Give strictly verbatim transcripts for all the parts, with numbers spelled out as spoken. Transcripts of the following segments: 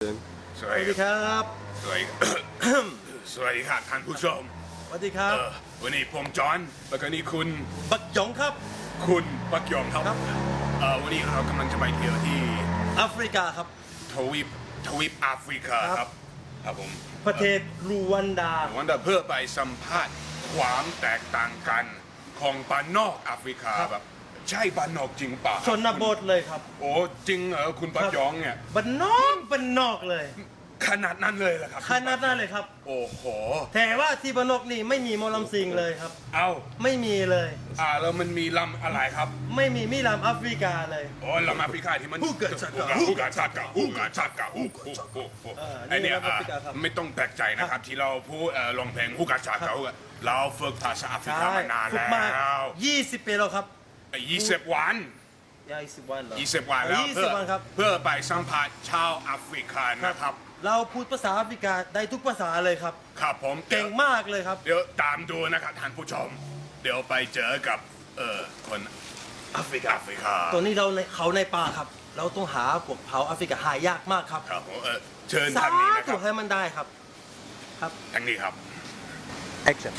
นสสวัวัสสดีดีครับสวัสดี สวัสดีครับท่านผู้ชมสวัสดีครับเอ่อวันนี้ผมจอห์นแล้วก็นี่คุณบักหยองครับคุณปักยองครับครับเอ่อวันนี้เรากำลังจะไปเที่ยวที่แอฟริกาครับทวีปทวีปแอฟริกาครับครับครับผมประเทศรูวันดาวันนี้เพื่อไปสัมภาษณ์ความแตกต่างกันของบ้านนอกแอฟริกาครับแบบใช่บ้านนอกจริงป่ะชนบทเลยครับโอ้จริงเหรอคุณปักยองเนี่ยบันนอกบันนอกเลยขนาดนั้นเลยเหรอครับขนาดนั้นเลยครับโอ้โหแต่ว่าที่บันนอกนี่ไม่มีหมอลำซิงเลยครับเอ้าไม่มีเลยอ่าแล้วมันมีลำอะไรครับไม่มีมิลำแอฟริกาเลยโอ้ลำแอฟริกาที่มันฮูกะชักกะฮูกะชักกะฮูกะชักกะฮูกฮูกฮูกฮูกเออไอเนี่ยนี่ลำแอฟริกาครับไม่ต้องแปลกใจนะครับที่เราพูดเอ่อร้องเพลงฮูกะชักกะฮูกะเราฝึกภาษาแอฟริกามานานฝึกแล้มาว ยี่สิบปีแล้วครับยี่สิบวันยี่สิบวันเหรอยี่สิบวันแล้วยี่เพื่สิอบวันครับเพื่อไปสัมภาษณ์ชาวแอฟริกันนะครับเราพูดภาษาแอฟริกาได้ทุกภาษาเลยครับครับผมเก่งมากเลยครับเดี๋ยวตามดูนะครับท่านผู้ชม เดี๋ยวไปเจอกับเอ่อคนแอฟริกาแอฟริกาตัวนี้เราในเขาในป่าครับ เราต้องหาพวกเผาแอฟริกาหายากมากครับครับผมเออเชิญสาทางนี้นะคธุรับให้มันได้ครับ ครับทางนี้ครับ action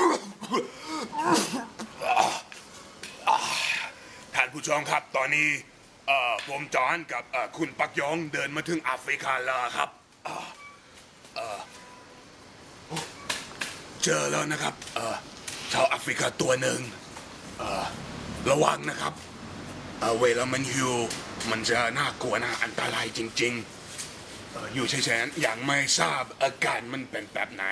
ท่านผู้ชมครับตอนนี้เอ่อผมจอห์นกับเอ่อคุณปักยองเดินมาถึงแอฟริกาแล้วครับเอ่อเอ่อเจอแล้วนะครับเอ่อชาวแอฟริกาตัวหนึ่งเอ่อระวังนะครับเอ่อเวลามันหิวมันจะน่ากลัวน่าอันตรายจริงๆเอ่ออยู่เฉยๆอย่างไม่ทราบอาการมันเป็นแบบไหน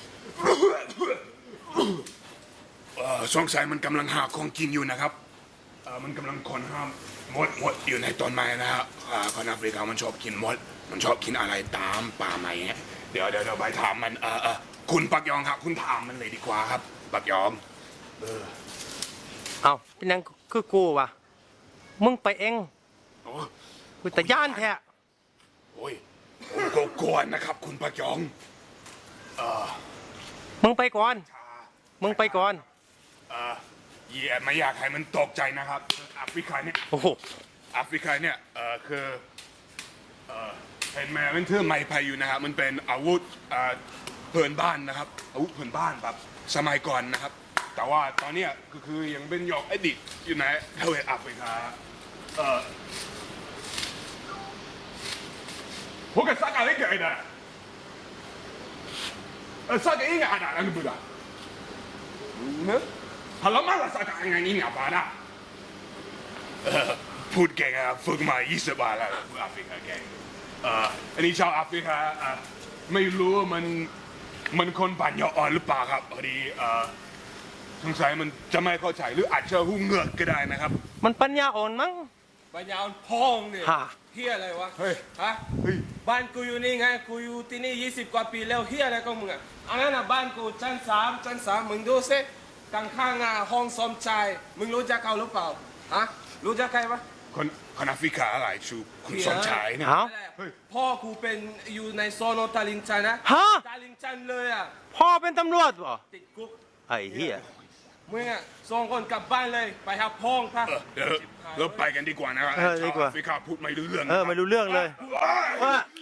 เอ่อสงสัยมันกำลังหาของกินอยู่นะครับ เอ่อมันกำลังคนห้ามมดมดอยู่ในต้นไม้นะฮะอ่าคนแอฟริกามันชอบกินมด มันชอบกินอะไรตามป่าไม้เงี้ยเดี๋ยวเดี๋ยวเดี๋ยวไปถามมันเออเออคุณปักยองครับ คุณถามมันเลยดีกว่าครับ ปักยองเอาเป็นยังคือกูวะมึงไปเองโอ้กูแต่ย่านแท้โอ้ยผมก็กลัวนะครับ คุณปักยองเออมึงไปก่อนชามึงไปก่อนเออเย่ไม่อยากให้มันตกใจนะครับแอฟริกาเนี่ยโอ้โหแอฟริกาเนี่ยเออคือเออเห็นไหมมันเทื่อไม้พายุนะครับ มันเป็นอาวุธเอ่อเพื่อนบ้านนะครับ อาวุธเพื่อนบ้านแบบสมัยก่อนนะครับ แต่ว่าตอนเนี้ยก็คือยังเป็นหยอกอดีตอยู่ในทวีปแอฟริกาเออพวกกันสักอะไรกันนะเออสักอะไรกันนะนั่นคืออะไรเนี่ยฮัลโหลมาละสักอะไรนี่เนี่ยบ้านะ เอ่อพูดเก่งอะฝึกมายี่สิบวันแล้วพูดแอฟริกาเก่งเอ่ออันนี้ชาวแอฟริกาอ่ะไม่รู้ว่ามันมันคนปัญญาอ่อนหรือเปล่าครับพอดีเอ่อสงสัยมันจะไม่เข้าใจหรืออาจจะหูเหงือกก็ได้นะครับมันปัญญาอ่อนมั้งปัญญาอ่อนพองเนี่ยฮะเฮียอะไรวะเฮ้ยฮะเฮ้ยบ้านกูอยู่นี่ไงกูอยู่ที่นี่ยี่สิบกว่าปีแล้วเฮียอะไรของมึงอ่ะอันนั้นอ่ะบ้านกูชั้นสามชั้นสามมึงดูสิข้างข้างๆอ่ะห้องสมชายมึงรู้จักเขาหรือเปล่าฮะรู้จักใครวะคนคนแอฟริกาอะไรชูคุณสมชายเนี่ยเอานั่นแหละพ่อกูเป็นอยู่ในโซนตาลิงชันนะฮะตาลิงชันเลยอ่ะพ่อเป็นตำรวจบ่ติดคุกไอ้เหี้ยมึงอ่ะส่งคนกลับบ้านเลยไปหาพ่องค่ะเออเดี๋ยวเราไปกันดีกว่านะครับเออดีกว่าชาวแอฟริกาพูดไม่รู้เรื่องเออไม่รู้เรื่องเลยเอ้ยว่า